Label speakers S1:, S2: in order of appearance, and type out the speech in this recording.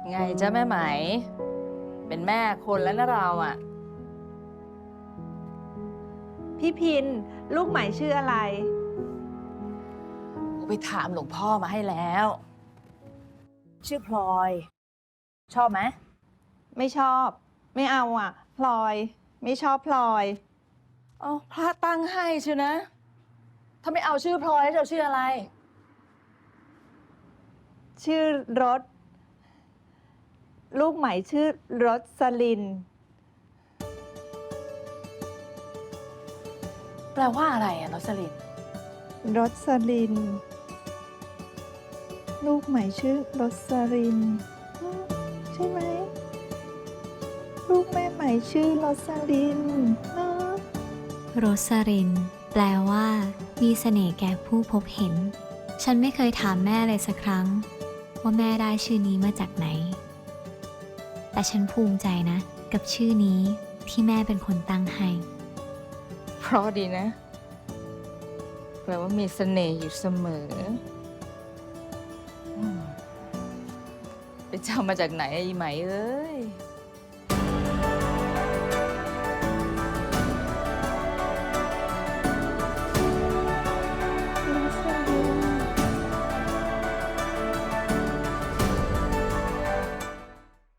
S1: ไงจ๊ะแม่ไหม เป็นแม่คนแล้วนะเราอ่ะ
S2: พี่พินลูกใหม่ชื่ออะไร
S1: ไปถามหลวงพ่อมาให้แล้ว ชื่อพลอย ชอบไหม
S2: ไม่ชอบ ไม่เอาอ่ะ พลอย ไม่ชอบพลอย
S1: อ๋อพระตั้งให้ใช่นะ ถ้าไม่เอาชื่อพลอยแล้วจะเอาชื่ออะไร
S2: ชื่อรถ ลูกใหม่ชื่อรสลิน
S1: แปลว่าอะไรอะรสลิน
S2: รสลิน ลูกใหม่ชื่อรสลินอืมใช่ไหม ลูกแม่ใหม่ชื่อรสลินเนอะ
S3: โรสริน แปลว่า มีเสน่ห์แก่ผู้พบเห็น ฉันไม่เคยถามแม่เลยสักครั้ง ว่าแม่ได้ชื่อนี้มาจากไหน แต่ฉันภูมิใจนะ กับชื่อนี้ที่แม่เป็นคนตั้งให้
S1: เพราะดีนะ แปลว่ามีเสน่ห์อยู่เสมอไปจำมาจากไหนไอ้ไหมเอ้ย